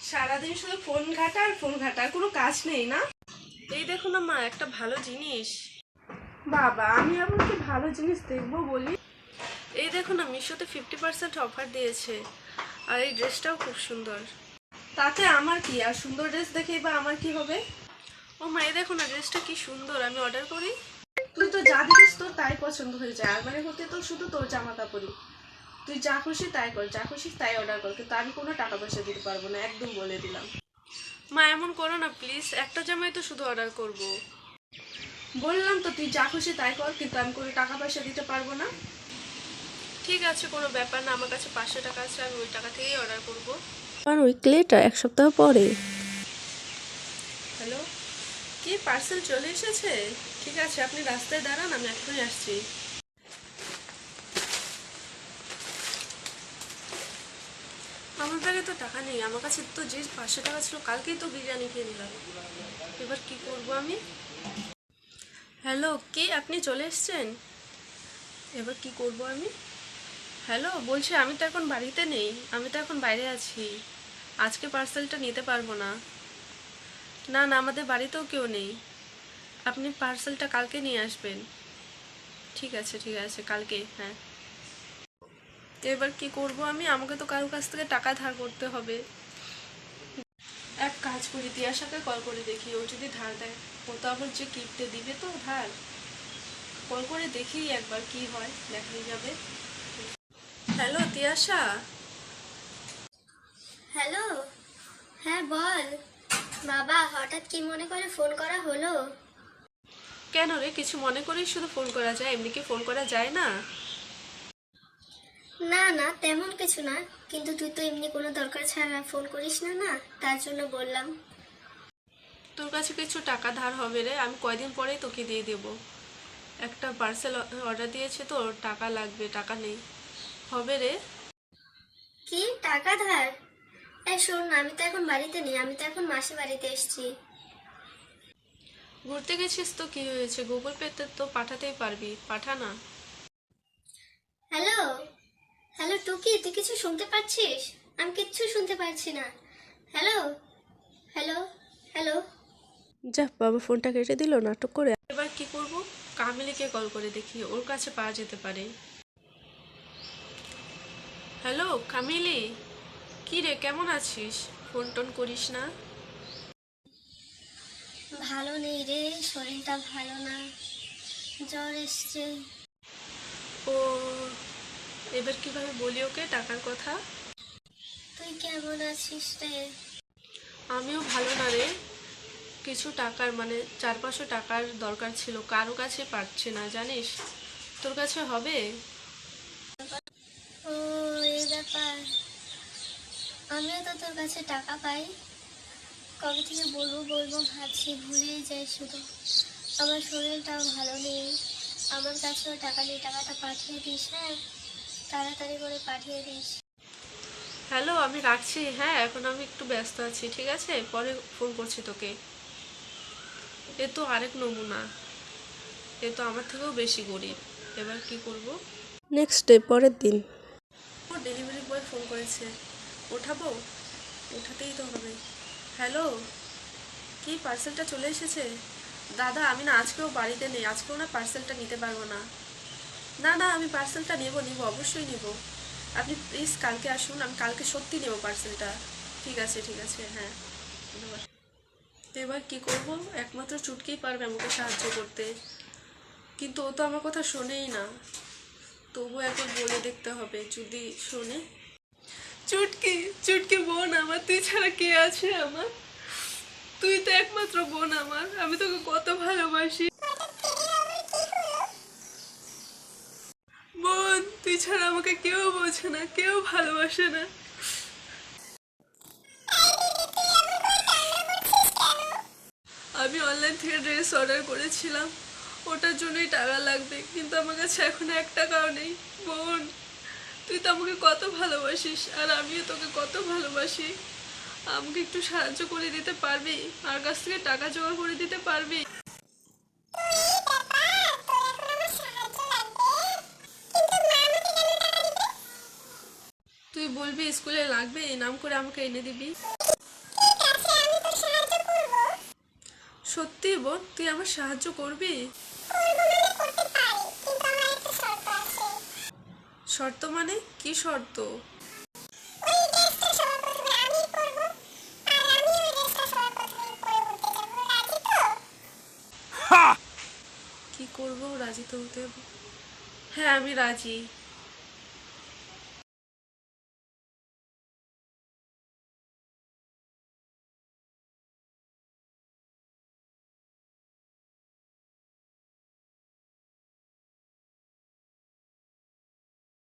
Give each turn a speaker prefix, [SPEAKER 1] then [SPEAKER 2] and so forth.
[SPEAKER 1] সারাদিন শুধু ফোন ঘাটা আর ফোন ঘাটা, কোনো কাজ নেই না? এই দেখো না মা, একটা ভালো জিনিস। বাবা, আমি আবার কি ভালো জিনিস দেখবো বলি? এই দেখো না, মিশোতে 50% অফার দিয়েছে, আর এই ড্রেসটাও খুব সুন্দর। তাতে আমার কি, আর সুন্দর ড্রেস দেখেই বা আমার কি হবে? ও মা, এই দেখো না, ড্রেসটা কি সুন্দর, আমি অর্ডার করি? তুই তো যা দিস তোর তাই পছন্দ হয়ে যায়, আর মানে হতে তো শুধু তোর জামা কাপড়ই। তুই যা খুশি তাই কর, যা খুশি তাই অর্ডার কর, কিন্তু আমি কোনো টাকা পয়সা দিতে পারবো না, একদম বলে দিলাম। মা, এমন করো না প্লিজ, একটা জামাই তো শুধু অর্ডার করব। বললাম তো তুই যা খুশি তাই কর, কিন্তু আমি কোনো টাকা পয়সা দিতে পারবো না। ঠিক আছে, কোনো ব্যাপার না, আমার কাছে 500 টাকা আছে, আমি ওই টাকা থেকেই অর্ডার করব।
[SPEAKER 2] আর উইক লেটার, এক সপ্তাহ পরে।
[SPEAKER 1] হ্যালো, কি পার্সেল চলে এসেছে? ঠিক আছে, আপনি রাস্তায় দাঁড়ান, আমি এখনই আসছি। আমার ব্যাগে তো টাকা নেই, আমার কাছে তো যে 500 টাকা ছিল কালকেই তো বিরিয়ানি খেয়ে নিলাম। এবার কি করব আমি? হ্যালো, কি আপনি চলে এসেছেন? এবার কি করব আমি? হ্যালো, বলছি আমি তো এখন বাড়িতে নেই, আমি তো এখন বাইরে আছি, আজকে পার্সেলটা নিতে পারবো না। না না, আমাদের বাড়িতেও কেউ নেই, আপনি পার্সেলটা কালকে নিয়ে আসবেন। ঠিক আছে ঠিক আছে, কালকে, হ্যাঁ। এবার কি করব আমি? আমাকে তো কারোর কাছ থেকে টাকা ধার করতে হবে। এক কাজ করি, তিয়াশাকে কল করে দেখি, ও যদি ধার দেয়। ও তো আবার যে কিনতে দিবে তো ধার, কল করে দেখি একবার কি হয়, দেখাই যাবে। হ্যালো তিয়াশা।
[SPEAKER 3] হ্যালো। হ্যাঁ বল। বাবা, হঠাৎ কি মনে করে ফোন করা হলো?
[SPEAKER 1] কেন রে, কিছু মনে করেই শুধু ফোন করা যায়, এমনি কি ফোন করা যায় না?
[SPEAKER 3] না না, তেমন কিছু না, কিন্তু তুই তো এমনি কোনো দরকার ছাড়া ফোন করিস না, না তার জন্য বললাম।
[SPEAKER 1] তোর কাছে কিছু টাকা ধার হবে রে, আমি কয়দিন পরেই তোকে দিয়ে দেব। একটা পার্সেল অর্ডার দিয়েছে তো, টাকা লাগবে, টাকা নেই, হবে রে।
[SPEAKER 3] কি টাকা ধার? শোন না, আমি তো এখন বাড়িতে নেই, আমি তো এখন মাসি বাড়িতে এসেছি।
[SPEAKER 1] ঘুরতে গেছিস তো কি হয়েছে, গুগল পেতে তো পাঠাতেই পারবি, পাঠা না।
[SPEAKER 3] হ্যালো। হ্যালো টুকি, তুই কিছু শুনতে পাচ্ছিস? আমি কিচ্ছু শুনতে পাচ্ছি না। হ্যালো। হ্যালো। হ্যালো।
[SPEAKER 2] যা, বাবা ফোনটা কেটে দিল নাটক করে।
[SPEAKER 1] এবার কি করব? কামিলিকে কল করে দেখি, ওর কাছে পাওয়া যেতে পারে। হ্যালো কামিলি, কি রে, কেমন আছিস? ফোন টোন করিস না।
[SPEAKER 3] ভালো নেই রে, শরীরটা ভালো না, জ্বর এসছে।
[SPEAKER 1] ও, এবার কিভাবে বলি ওকে টাকার কথা?
[SPEAKER 3] তুই কেমন আছিস রে?
[SPEAKER 1] আমিও ভালো না রে, কিছু টাকার মানে 400-500 টাকার দরকার ছিল, কারো কাছে পাচ্ছি না জানিস, তোর কাছে হবে?
[SPEAKER 3] ও, এই ব্যাপার। আমিও তো তোর কাছে টাকা পাই, কবে থেকে বলবো বলবো ভাবছি, ভুলেই যাই শুধু। আমার শরীরটাও ভালো নেই, আমার কাছেও টাকা নেই, টাকাটা পাঠিয়ে দিস, হ্যাঁ তাড়াতাড়ি করে পাঠিয়ে দিস।
[SPEAKER 1] হ্যালো, আমি রাখছি, হ্যাঁ এখন আমি একটু ব্যস্ত আছি, ঠিক আছে পরে ফোন করছি তোকে। এ তো আরেক নমুনা, এ তো আমার থেকেও বেশি গরিব, এবার কি করব?
[SPEAKER 2] নেক্সট ডে, পরের দিন।
[SPEAKER 1] ও ডেলিভারি বয় ফোন করেছে, ওঠাবো? ওঠাতেই তো হবে। হ্যালো, কি পার্সেলটা চলে এসেছে? দাদা, আমি না আজকেও বাড়িতে নেই, আজকেও না পার্সেলটা নিতে পারবো না। না না, আমি পার্সেলটা নেব নিব, অবশ্যই নিব। আপনি প্লিজ কালকে আসুন, আমি কালকে সত্যি নেব পার্সেলটা। ঠিক আছে, হ্যাঁ ধন্যবাদ। এবার কি করব? একমাত্র চুটকিই পারবে আমাকে সাহায্য করতে, কিন্তু ও তো আমার কথা শোনেই না। তবু একবার বলে দেখতে হবে, যদি শোনে। চুটকি, চুটকি বোন আমার, তুই ছাড়া কে আছে আমার? তুই তো একমাত্র বোন আমার, আমি তোকে কত ভালোবাসি বোন, তুই ছাড়া আমাকে কেউ বোঝে না, কেউ ভালোবাসে না। আমি অনলাইন থেকে ড্রেস অর্ডার করেছিলাম, ওটার জন্যই টাকা লাগবে, কিন্তু আমার কাছে এখন 1 টাকাও নেই। বোন, তুই তো আমাকে কত ভালোবাসিস, আর আমিও তোকে কত ভালোবাসি, আমাকে একটু সাহায্য করে দিতে পারবি? আর কাছ থেকে টাকা জোগাড় করে দিতে পারবি? তুই বলবি স্কুলে লাগবে, এই নাম করে আমাকে এনে দিবি। সত্যি বোন, তুই আমার সাহায্য করবি? শর্ত মানে কি শর্ত? কি করবো, রাজি তো হতে হবে। হ্যাঁ আমি রাজি।